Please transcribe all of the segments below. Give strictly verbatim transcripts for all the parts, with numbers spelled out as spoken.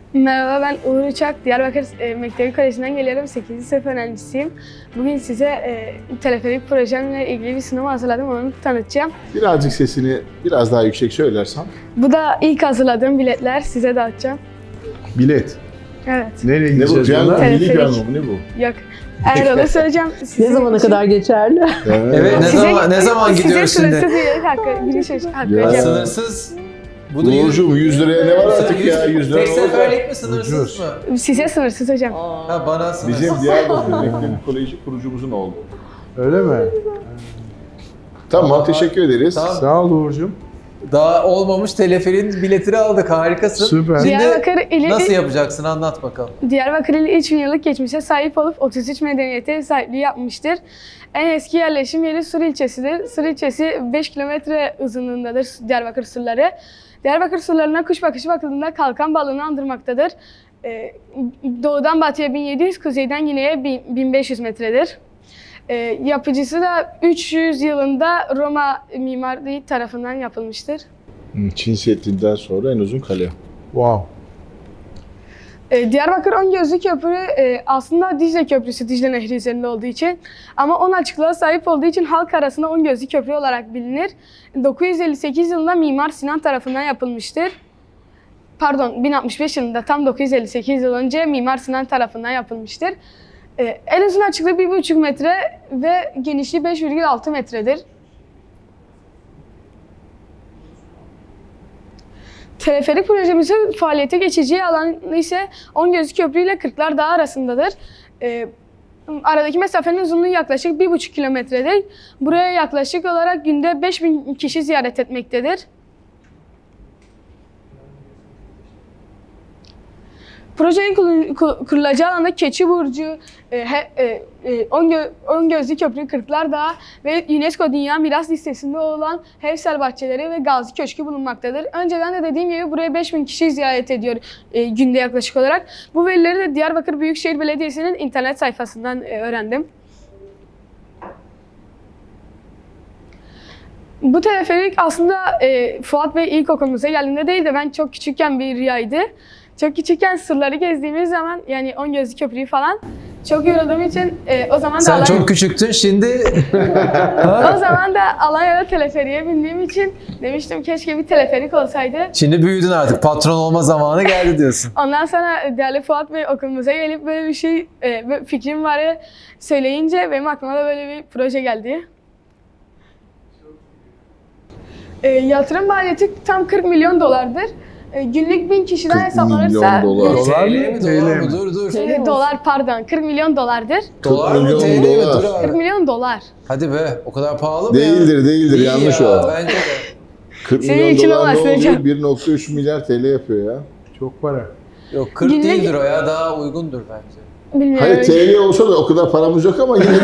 Merhaba, ben Uğur Uçak. Diyarbakır e, Mektebi Koleji'nden geliyorum. sekizinci sınıf öğrencisiyim. Bugün size e, teleferik projemle ilgili bir sunum hazırladım. Onu tanıtacağım. Birazcık sesini biraz daha yüksek söylersen. Bu da ilk hazırladığım biletler. Size dağıtacağım. Bilet. Evet. Ne Nereye bu? gideceğiz Piyango, buna? Teleferik. milli piyango mu? Ne bu? Yok. Eğer onu söyleyeceğim. Ne sizin zamana için- kadar geçerli? Evet, ne Size- zaman ne zaman gidiyoruz Size şimdi? sınırsız üyelik hakkı, giriş hakkı Ya. vereceğim. Sınırsız. Bu da yüz- Uğurcuğum yüz liraya ne var artık ya? yüz lira Tek ne olacak? seferlik mi sınırsız Ucuz. mı? Size sınırsız hocam. Ha bana sınırsız. Bizim Diyarbakır Mektebi Koleji kurucumuzun oğlu. Öyle mi? Tamam, Tamam. teşekkür ederiz. Tamam. Sağ ol Uğur'cum. Daha olmamış teleferin biletini aldık, harikasın. Süper. Şimdi Diyarbakır ili nasıl yapacaksın, anlat bakalım. Diyarbakır ili üç bin yıllık geçmişe sahip olup otuz üç medeniyete ev sahipliği yapmıştır. En eski yerleşim yeri Sur ilçesidir. Sur ilçesi beş kilometre uzunluğundadır Diyarbakır surları. Diyarbakır surlarına kuş bakışı bakıldığında kalkan balığını andırmaktadır. Ee, doğudan batıya bin yedi yüz, kuzeyden güneye bin beş yüz metredir. Ee, yapıcısı da üç yüz yılında Roma mimarlığı tarafından yapılmıştır. Çin Seddi'nden sonra en uzun kale. Wow. Ee, Diyarbakır On-Gözlü Köprü e, aslında Dicle Köprüsü, Dicle Nehri üzerinde olduğu için. Ama on açıklığa sahip olduğu için halk arasında On-Gözlü Köprü olarak bilinir. dokuz yüz elli sekiz yılında Mimar Sinan tarafından yapılmıştır. Pardon, bin altmış beş yılında, tam dokuz yüz elli sekiz yıl önce Mimar Sinan tarafından yapılmıştır. Ee, en uzun açıklığı bir buçuk metre ve genişliği beş virgül altı metredir. Teleferik projemizin faaliyete geçeceği alan ise On-Gözlü Köprü ile Kırklar Dağı arasındadır. Ee, aradaki mesafenin uzunluğu yaklaşık bir buçuk kilometredir. Buraya yaklaşık olarak günde beş bin kişi ziyaret etmektedir. Projenin kurul- kur- kurulacağı alanda Keçiburcu, e, he- e, e, On-Gö- On-Gözlü Köprü, Kırklar Dağı ve UNESCO Dünya Miras Listesi'nde olan Hevsel Bahçeleri ve Gazi Köşkü bulunmaktadır. Önceden de dediğim gibi buraya beş bin kişi ziyaret ediyor e, günde yaklaşık olarak. Bu verileri de Diyarbakır Büyükşehir Belediyesi'nin internet sayfasından e, öğrendim. Bu teleferik aslında e, Fuat Bey ilk okulumuza geldiğinde değil de ben çok küçükken bir rüyaydı. Çok küçükken surları gezdiğimiz zaman, yani On-Gözlü Köprüyü falan çok yorulduğum için e, o zaman da Sen Alanya, çok küçüktün, şimdi o zaman da Alanya'da teleferiğe bindiğim için demiştim keşke bir teleferik olsaydı. şimdi büyüdün artık, patron olma zamanı geldi diyorsun. Ondan sonra değerli Fuat Bey okulumuza gelip böyle bir şey, e, böyle fikrim var söyleyince benim aklıma da böyle bir proje geldi. E, yatırım maliyeti tam kırk milyon dolardır. E, günlük bin kişiden kırk hesaplanırsa... milyon dolar. günlük- Dolar T L mı? mi, T dolar L mı? mi? Dur dur. E, dolar pardon, kırk milyon dolardır. Dolar mı, milyon T L mi? dolar. Dur kırk abi. milyon dolar. Hadi be, o kadar pahalı mı ya? Değildir, değildir. Değil Yanlış ya, o. Bence de. kırk Senin milyon için dolar olmaz ne oluyor? hocam. bir nokta üç milyar T L yapıyor ya. Çok para. Yok, kırk Günlük- değildir o ya, daha uygundur bence. Bilmiyorum. Hayır T L olsa da o kadar paramız yok ama yine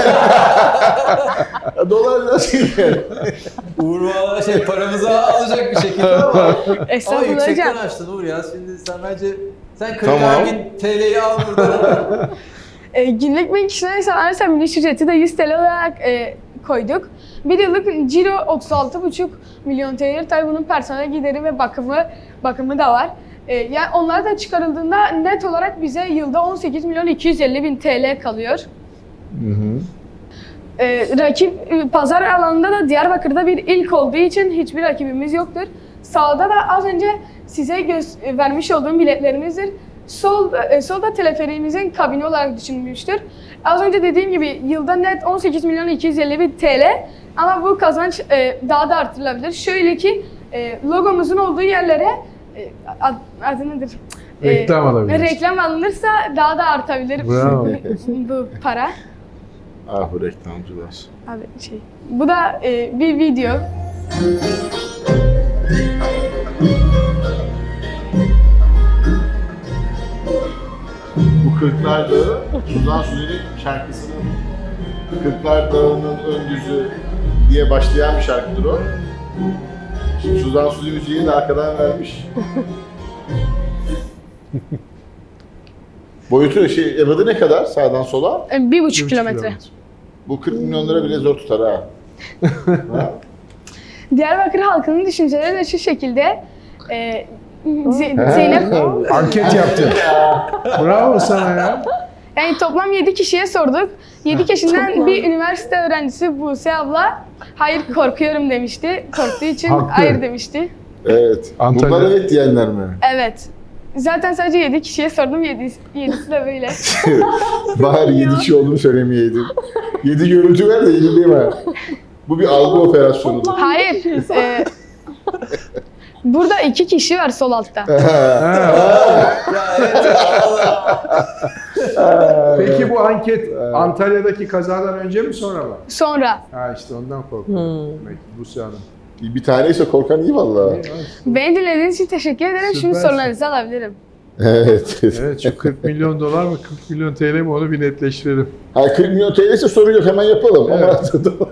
dolar nasıl yani? Uğur valla şey paramızı alacak bir şekilde ama ama Estağfurullah yüksekten hocam. açtın Uğur ya. Şimdi sen bence sen kırk Tamam. bin T L'yi al buradan. E, günlük bin kişiden hesaplanırsa miliş ücreti de yüz T L olarak e, koyduk. Bir yıllık ciro otuz altı buçuk milyon T L. Tabii bunun personel gideri ve bakımı bakımı da var. E, yani onlar da çıkarıldığında net olarak bize yılda on sekiz milyon iki yüz elli bin T L kalıyor. Hı hı. E, rakip e, pazar alanında da Diyarbakır'da bir ilk olduğu için hiçbir rakibimiz yoktur. Sağda da az önce size göz, e, vermiş olduğum biletlerimizdir. Sol, e, solda teleferiğimizin kabini olarak düşünmüştür. Az önce dediğim gibi yılda net on sekiz milyon iki yüz elli bin T L ama bu kazanç e, daha da artırılabilir. Şöyle ki e, logomuzun olduğu yerlere e, ad, adı nedir? E, Reklam alabiliriz. Reklam alınırsa daha da artabilir Bravo. bu, bu para. Ah bu reklamcılar. Abi şey. Bu da e, bir video. Bu Kırklar Dağı, Suzan Suzi'nin şarkısının Kırklar Dağı'nın öndüzü diye başlayan bir şarkıdır o. Şimdi Suzan Suzi müziğini de arkadan vermiş. Boyutu, şey, ebadı ne kadar sağdan sola? E, bir buçuk kilometre. Bu kırk milyon lira bile zor tutar ha. ha? Diyarbakır halkının düşünceleri de şu şekilde. E, Z- Zeynep, Anket yaptın. Bravo sana ya. yani toplam yedi kişiye sorduk. yedi kişiden bir üniversite öğrencisi Buse abla hayır korkuyorum demişti. Korktuğu için Haklı. hayır demişti. Evet. Antalya- Bunlar evet diyenler mi? Evet. Zaten sadece yedi kişiye sordum. yedisi, yedisi de böyle. Bari yedi kişi olduğunu söylemeyeydin. yedi görüntü ver de yedi değil mi? Bu bir algı operasyonudur. Hayır. e, burada iki kişi var sol altta. Peki bu anket Antalya'daki kazadan önce mi sonra mı? Sonra. Ha işte ondan korkuyorum. Demek ki Buse Hanım. Bir taneyse korkan iyi valla. Beni dinlediğiniz için teşekkür ederim. Şimdi Süpersin. sorularınızı alabilirim. Evet. Evet şu kırk milyon dolar mı kırk milyon T L mi onu bir netleştirelim. Ha, kırk milyon T L'se sorun yok, hemen yapalım. Evet. Ama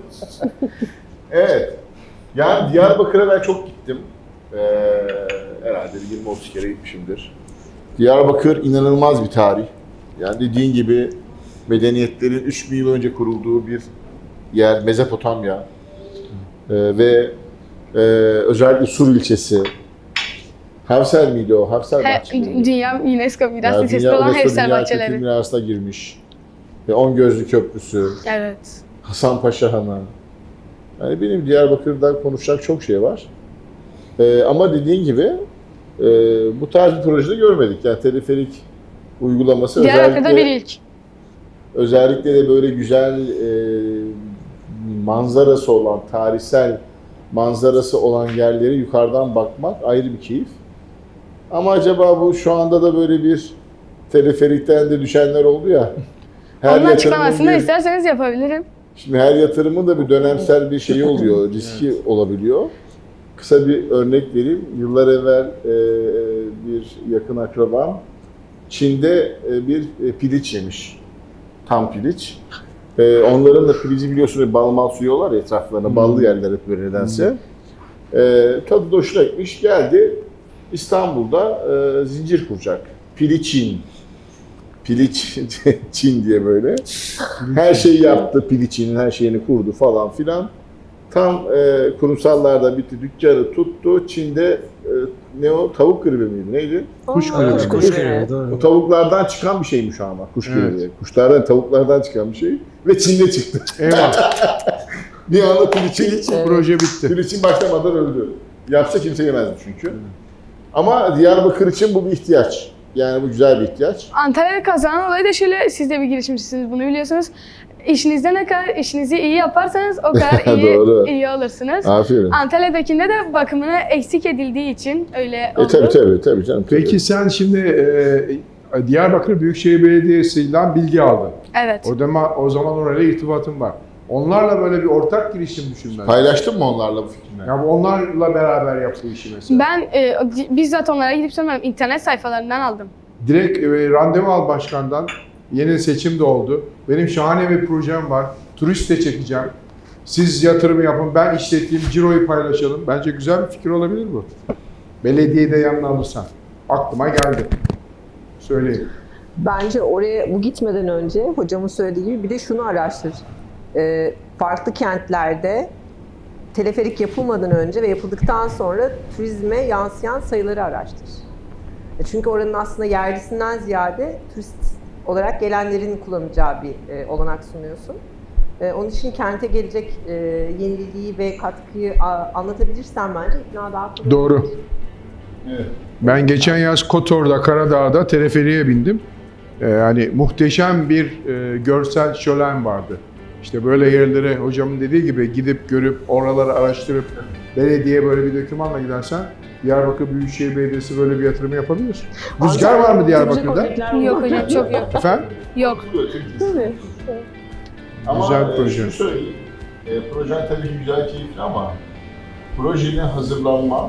evet. Yani Diyarbakır'a ben çok gittim. Ee, herhalde yirmi otuz kere gitmişimdir. Diyarbakır inanılmaz bir tarih. Yani dediğin gibi medeniyetlerin üç bin yıl önce kurulduğu bir yer, Mezopotamya. Ee, ve e, özellikle Sur ilçesi. Hevsel miydi o? Hevsel He, bahçe miydi? Dünya UNESCO Miras Yani Listesi Dünya olan UNESCO Hevsel Dünya Kültür Bahçeleri. Mirası'na girmiş. Ve On Gözlü Köprüsü, Evet. Hasanpaşa Hanı. Yani benim Diyarbakır'dan konuşacak çok şey var. Ee, ama dediğin gibi e, bu tarz bir projede görmedik. Yani teleferik uygulaması Diyarbakır'da bir özellikle, ilk. özellikle de böyle güzel e, manzarası olan, tarihsel manzarası olan yerleri yukarıdan bakmak ayrı bir keyif. Ama acaba bu şu anda da böyle bir teleferikten de düşenler oldu ya. Onun yatırımın açıklamasını bir- isterseniz yapabilirim. Şimdi her yatırımın da bir dönemsel bir şeyi oluyor, riski olabiliyor. Kısa bir örnek vereyim. Yıllar evvel e, bir yakın akrabam Çin'de e, bir e, piliç yemiş. Tam piliç. E, onların da pilici biliyorsunuz bal mal suyu ya etraflarına, ballı yerler hep böyle nedense. E, tadı da hoşuna gitmiş. Geldi İstanbul'da e, zincir kuracak. Piliçin. Piliç Çin diye böyle. Her şeyi yaptı, Piliç'in her şeyini kurdu falan filan. Tam e, kurumsallarda bitti, dükkanı tuttu. Çin'de e, ne o, tavuk gribi miydi, neydi? Kuş Aa, gribi. kuş Kuş gribi. geliyor, doğru. O tavuklardan çıkan bir şeymiş ama, kuş Evet. gribi. Kuşlardan, tavuklardan çıkan bir şey. Ve Çin'de çıktı. Eyvah. Bir anda Piliç'in, Evet. Proje bitti. Piliç'in başlamadan öldü. Yapsa kimse yemezdi çünkü. Ama Diyarbakır için bu bir ihtiyaç. Yani bu güzel bir ihtiyaç. Antalya'da kazanan olayı da şöyle, siz de bir girişimcisiniz, bunu biliyorsunuz. İşinizde ne kadar işinizi iyi yaparsanız o kadar iyi Doğru. iyi alırsınız. Aferin. Antalya'dakinde de bakımına eksik edildiği için öyle oldu. E tabii tabii tabii canım. tabii. Peki sen şimdi e, Diyarbakır Büyükşehir Belediyesi'yle bilgi aldın. Evet. O zaman, o zaman orayla irtibatın var. Onlarla böyle bir ortak girişim düşünmen. Paylaştın mı onlarla bu fikrini? Ya bu onlarla beraber yap bu işi mesela. Ben e, bizzat onlara gidip sormadım. İnternet sayfalarından aldım. Direkt e, randevu al başkandan. Yeni seçim de oldu. Benim şahane bir projem var. Turist de çekeceğim. Siz yatırım yapın, ben işleteyim, ciroyu paylaşalım. Bence güzel bir fikir olabilir bu. Belediyeyi de yanına alırsan. Aklıma geldi. Söyleyeyim. Bence oraya bu gitmeden önce hocamın söylediği gibi bir de şunu araştır. Ee, farklı kentlerde teleferik yapılmadan önce ve yapıldıktan sonra turizme yansıyan sayıları araştır. E Çünkü oranın aslında yerlisinden ziyade turist olarak gelenlerin kullanacağı bir e, olanak sunuyorsun. E, onun için kente gelecek e, yeniliği ve katkıyı a, anlatabilirsen bence ikna daha kolay Doğru. olur. Evet. Ben geçen yaz Kotor'da, Karadağ'da teleferiğe bindim. Ee, yani muhteşem bir e, görsel şölen vardı. İşte böyle yerlere hocamın dediği gibi gidip görüp oraları araştırıp belediye böyle bir dokümanla gidersen Diyarbakır Büyükşehir Belediyesi böyle bir yatırım yapabilir. Rüzgar var mı Diyarbakır'da? Yok hocam, çok yok. Efendim? Yok. Tabii. Ama Güzel e, proje. şunu söyleyeyim. E, projen tabii ki güzel, keyifli ama projenin hazırlanma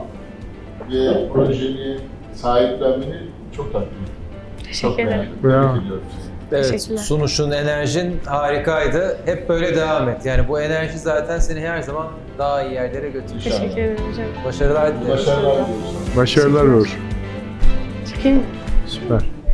ve projeni sahiplenmeni çok takdir ettim. Çok Teşekkür ederim. beğendim. Bravo. Tebrik ediyorum seni. Evet, Teşekkürler. sunuşun, enerjin harikaydı. Hep böyle devam et. Yani bu enerji zaten seni her zaman daha iyi yerlere götürecek. İnşallah. Teşekkür ederim hocam. Başarılar dilerim. Başarılar diliyoruz. Başarılar Uğur. Çekeyim.